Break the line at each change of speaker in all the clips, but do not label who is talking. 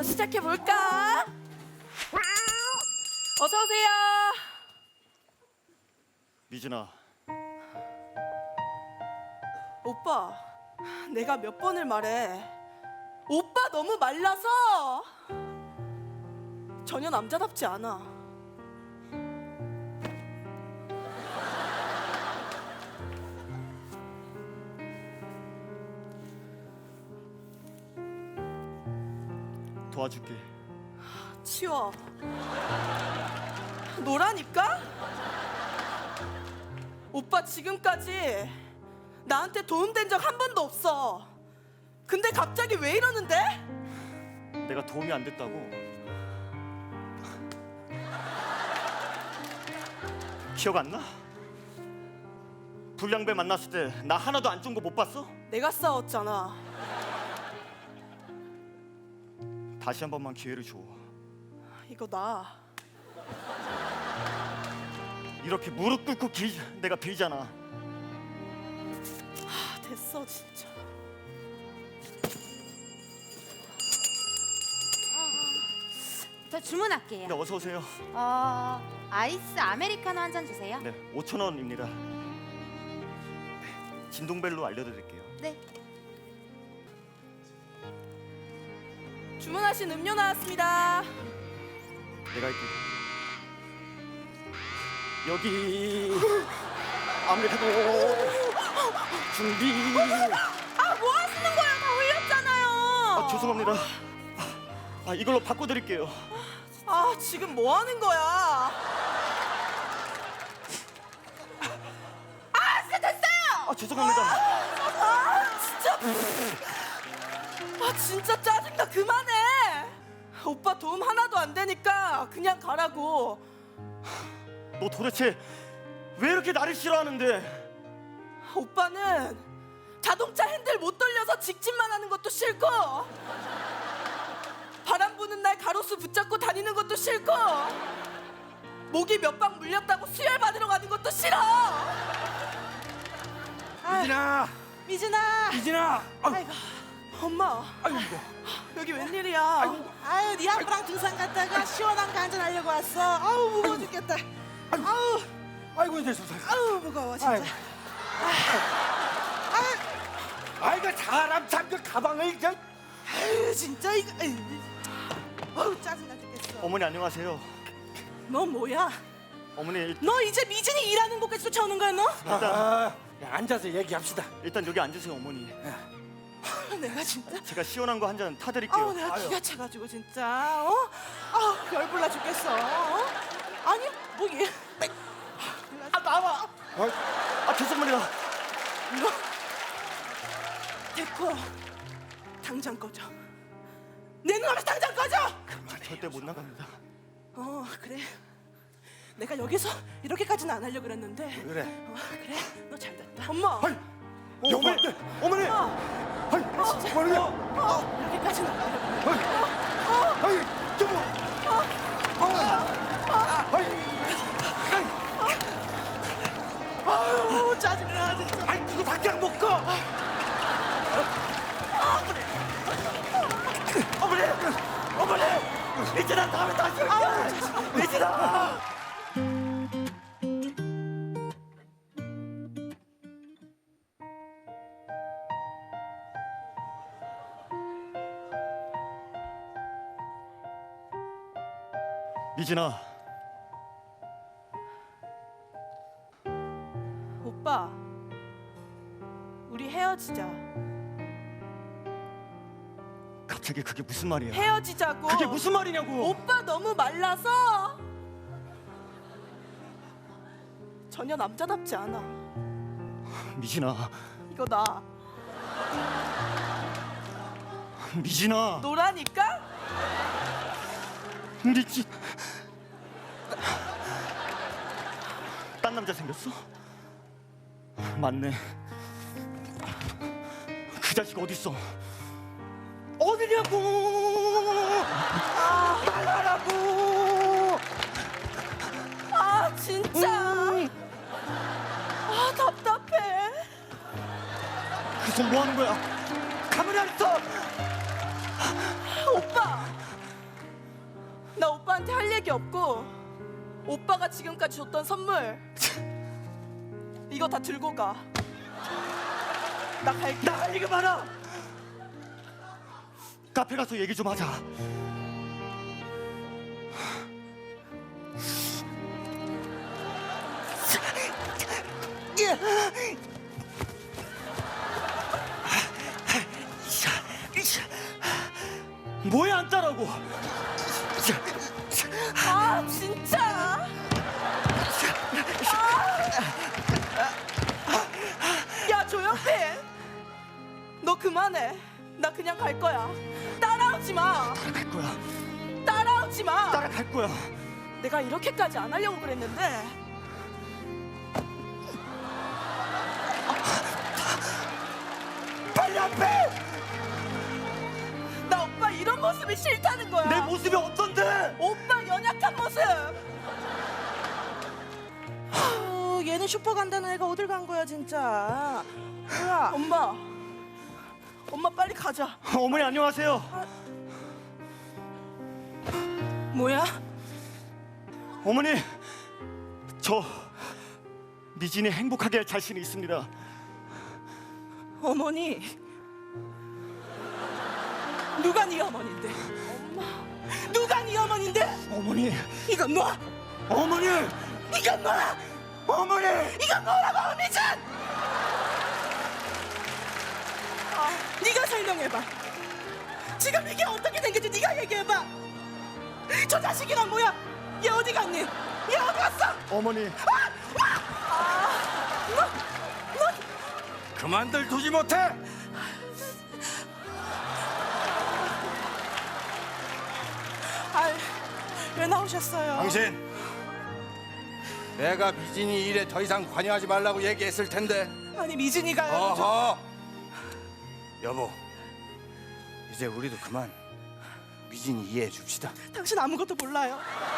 한번 시작해 볼까? 어서 오세요.
미진아,
오빠, 내가 몇 번을 말해. 오빠 너무 말라서 전혀 남자답지 않아.
도와줄게.
치워. 노라니까? 오빠 지금까지 나한테 도움된 적 한 번도 없어. 근데 갑자기 왜 이러는데?
내가 도움이 안 됐다고. 기억 안 나? 불량배 만났을 때 나 하나도 안 준 거 못 봤어?
내가 싸웠잖아.
다시 한 번만 기회를 줘.
이거 나.
이렇게 무릎 꿇고 내가 빌잖아.
됐어 진짜.
저 주문할게요.
네, 어서 오세요.
아이스 아메리카노 한 잔 주세요.
네, 5,000원입니다. 진동벨로 알려드릴게요.
네.
주문하신 음료 나왔습니다.
내가 할게. 여기 아메리카노 준비.
아, 뭐 하시는 거예요? 다 흘렸잖아요.
아, 죄송합니다. 이걸로 바꿔드릴게요.
아, 지금 뭐 하는 거야? 아, 진짜 됐어요.
죄송합니다.
진짜. 아, 진짜 짜증나. 그만해. 오빠 도움 하나도 안 되니까 그냥 가라고.
너 도대체 왜 이렇게 나를 싫어하는데?
오빠는 자동차 핸들 못 돌려서 직진만 하는 것도 싫고, 바람 부는 날 가로수 붙잡고 다니는 것도 싫고, 목이 몇 방 물렸다고 수혈 받으러 가는 것도 싫어.
미진아,
미진아.
미진아.
아이고, 엄마.
아이고,
여기 웬일이야?
아유, 네 아빠랑 등산 갔다가 시원한 거 한잔 하려고 왔어. 아우, 무거워 죽겠다. 아우,
아이고 이제 좀
아우, 무거워 진짜.
아이고 사람 참그 가방을 이제.
아유, 진짜 이거. 아유, 아우, 짜증나 죽겠어.
어머니 안녕하세요.
너 뭐야?
어머니
너 이제 미진이 일하는 곳까지 쫓아오는 거야, 너?
야, 앉아서 얘기합시다.
일단 여기 앉으세요, 어머니.
내가 진짜.
제가 시원한 거 한 잔 타드릴게요.
아우, 내가
아유.
기가 차가지고 진짜. 어? 아, 열불나 죽겠어. 어? 아니, 뭐 얘.
나와. 죄송합니다.
너 됐고, 당장 꺼져. 내 눈앞에서 당장 꺼져.
절대 못 나갑니다.
그래. 내가 여기서 이렇게까지는 안 하려고 그랬는데.
그래.
그래, 너 잘 됐다. 엄마.
어머니, 어머니. 아이, 어머니.
이렇게까지는 안 하려고 그랬는데.
아이, 여보.
아유, 짜증나 진짜.
아이, 그거 다 그냥 먹고.
어머니, 미진아 다음에 다시 올게. 미진아. 미진아,
오빠, 우리 헤어지자.
갑자기 그게 무슨 말이야?
헤어지자고.
그게 무슨 말이냐고?
오빠 너무 말라서 전혀 남자답지 않아.
미진아,
이거 나.
미진아.
노라니까?
미진. 딴 남자 생겼어? 맞네. 그 자식 어딨어? 어디냐고! 말하라고!
아, 진짜. 아, 답답해.
그 손 뭐 하는 거야? 가만히 안 있어!
오빠, 오빠한테 할 얘기 없고 오빠가 지금까지 줬던 선물 이거 다 들고 가. 나 갈게.
나 할 얘기 많아. 카페 가서 얘기 좀 하자. 뭐야 안 따라고?
아 진짜. 야 조영빈, 너 그만해. 나 그냥 갈 거야. 따라오지 마.
따라갈 거야.
따라오지 마.
따라갈 거야.
내가 이렇게까지 안 하려고 그랬는데.
빨리 앞에.
나 오빠 이런 모습이 싫다는 거야.
내 모습이 어떤데?
오빠 연약한 모습.
얘는 슈퍼 간다는 애가 어딜 간 거야 진짜. 뭐야?
엄마 빨리 가자.
어머니 안녕하세요.
뭐야?
어머니, 저 미진이 행복하게 할 자신이 있습니다.
어머니. 누가 네 어머니인데? 엄마. 누가 네 어머니인데?
어머니,
이건 너.
어머니,
이건 너야.
어머니.
이건 너라고 미진. 네가 설명해봐. 지금 이게 어떻게 된 건지 네가 얘기해봐. 저 자식이란 뭐야? 얘 어디 갔니? 얘 어디 갔어?
어머니,
그만들 두지 못해.
왜 나오셨어요?
당신, 내가 미진이 일에 더 이상 관여하지 말라고 얘기했을 텐데.
아니 미진이가요.
어허. 여보, 이제 우리도 그만 미진이 이해해 줍시다.
당신 아무것도 몰라요.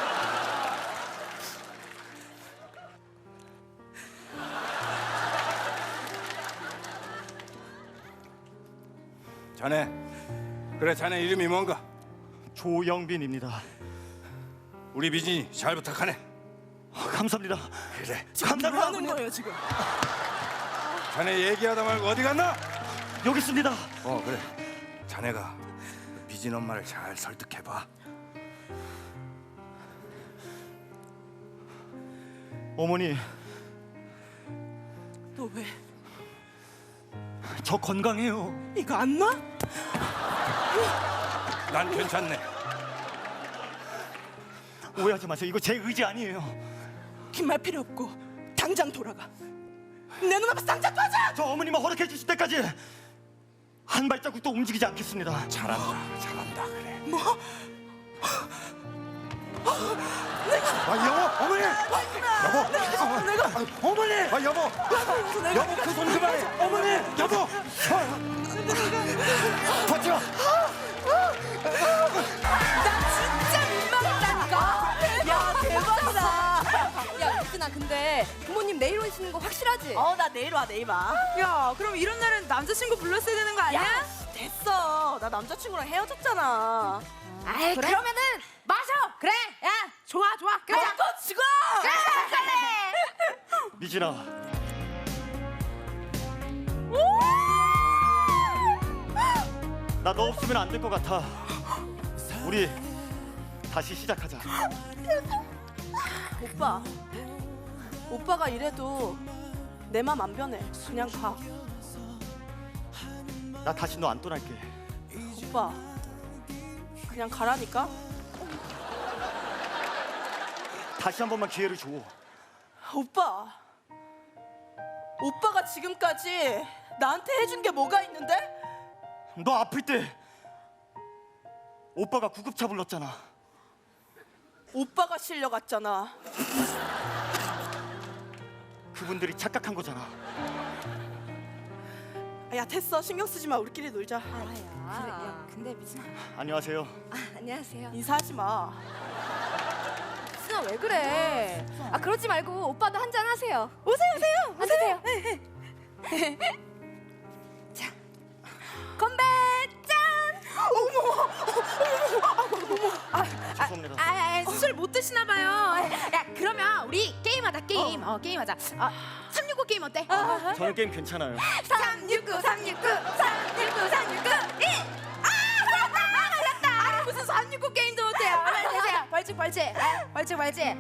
자네, 그래 자네 이름이 뭔가?
조영빈입니다.
우리 미진이 잘 부탁하네.
감사합니다.
그래.
뭐 하는 거예요 지금?
자네 얘기하다 말고 어디 갔나?
여기 있습니다.
그래. 자네가 미진 엄마를 잘 설득해봐.
어머니,
너 왜?
저 건강해요.
이거 안 놔?
난 괜찮네.
오해하지 마세요. 이거 제 의지 아니에요.
긴 말 필요 없고 당장 돌아가. 내 눈앞에서 당장 꺼져!
저 어머니만 허락해 주실 때까지 한 발자국도 움직이지 않겠습니다.
잘한다, 잘한다. 그래.
뭐?
여보, 어머니.
내가
어머니. 여보. 여보, 그 손 그만해. 어머니, 여보.
버텨.
진짜 민망하다니까. 야 대박이다.
야, 유진아, 근데 부모님 내일 오시는 거 확실하지?
나 내일 와.
야, 그럼 이런 날은 남자친구 불렀어야 되는 거 아니야?
야 됐어. 나 남자친구랑 헤어졌잖아.
아이, 그러면은 마셔! 그래! 야, 좋아. 그래!
먹고 죽어.
미진아, 나 너 없으면 안 될 것 같아. 우리 다시 시작하자.
오빠가 이래도 내 맘 안 변해. 그냥 가.
나 다시 너 안 떠날게.
오빠 그냥 가라니까.
다시 한 번만 기회를 줘.
오빠가 지금까지 나한테 해준 게 뭐가 있는데?
너 아플 때 오빠가 구급차 불렀잖아.
오빠가 실려갔잖아.
그분들이 착각한 거잖아.
야 됐어. 신경 쓰지 마. 우리끼리 놀자.
그래, 야, 근데 미진아.
안녕하세요.
안녕하세요.
인사하지 마.
미진아, 왜 그래? 아, 그러지 말고 오빠도 한잔 하세요. 오세요. 앉으세요. 자, 건배 짠!
죄송합니다.
힘드시나 봐요. 야, 그러면 우리 게임하자, 게임. 게임하자. 369 게임 어때?
저는 게임 괜찮아요.
369, 369, 369, 369, 1. 걸렸다. 아니, 무슨 369 게임도 못해요. 빨리 되세요. 벌칙. 벌칙.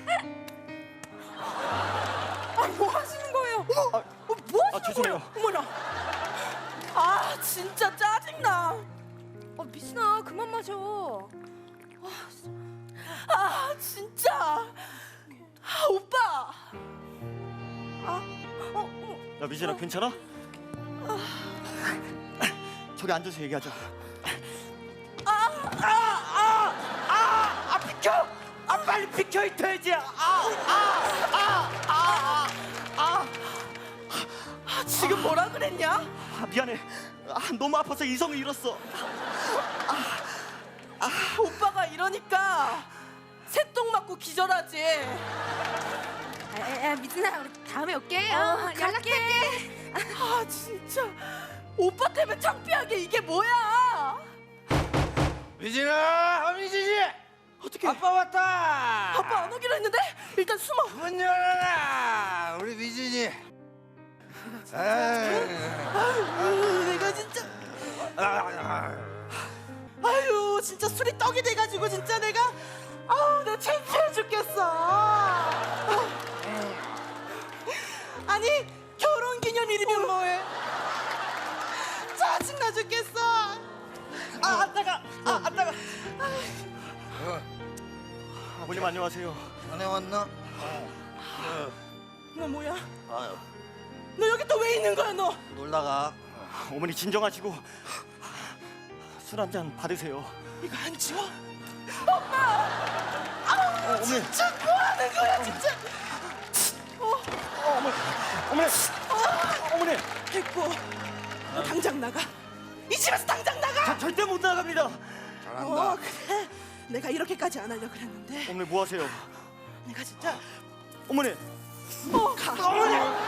뭐 하시는 거예요? 뭐 하시는
죄송해요.
거예요? 어머나.
아 진짜 짜증나.
미진아 그만 마셔.
아 진짜. 아 오빠.
야 미진아 괜찮아? 저기 앉아서 얘기하자. 비켜! 빨리 비켜 이 돼지!
지금 뭐라 그랬냐?
미안해. 너무 아파서 이성을 잃었어.
오빠가 이러니까 새똥 맞고 기절하지.
야, 미진아, 우리 다음에 올게. 연락할게.
아 진짜 오빠 때문에 창피하게 이게 뭐야?
미진아, 미진이.
어떻게?
아빠 왔다.
아빠 안 오기로 했는데 일단 숨어.
문 열어라. 우리 미진이.
내가 진짜 아유 진짜 술이 떡이 돼가지고 진짜 내가 내가 창피해 죽겠어. 아니 결혼기념일이면 뭐해? 짜증나 죽겠어. 안 따가.
아버님 안녕하세요.
전에 왔나?
너 뭐야? 너 여기 또 왜 있는 거야 너?
놀다가.
어머니 진정하시고 술 한 잔 받으세요.
이거 안 치워?
어머니.
진짜 뭐 하는 거야 진짜?
어머니.
됐고 너 당장 나가. 이 집에서 당장 나가.
절대 못 나갑니다.
잘한다.
그래. 내가 이렇게까지 안 하려 그랬는데
어머니 뭐 하세요?
내가 진짜
어머니.
가. 어머니.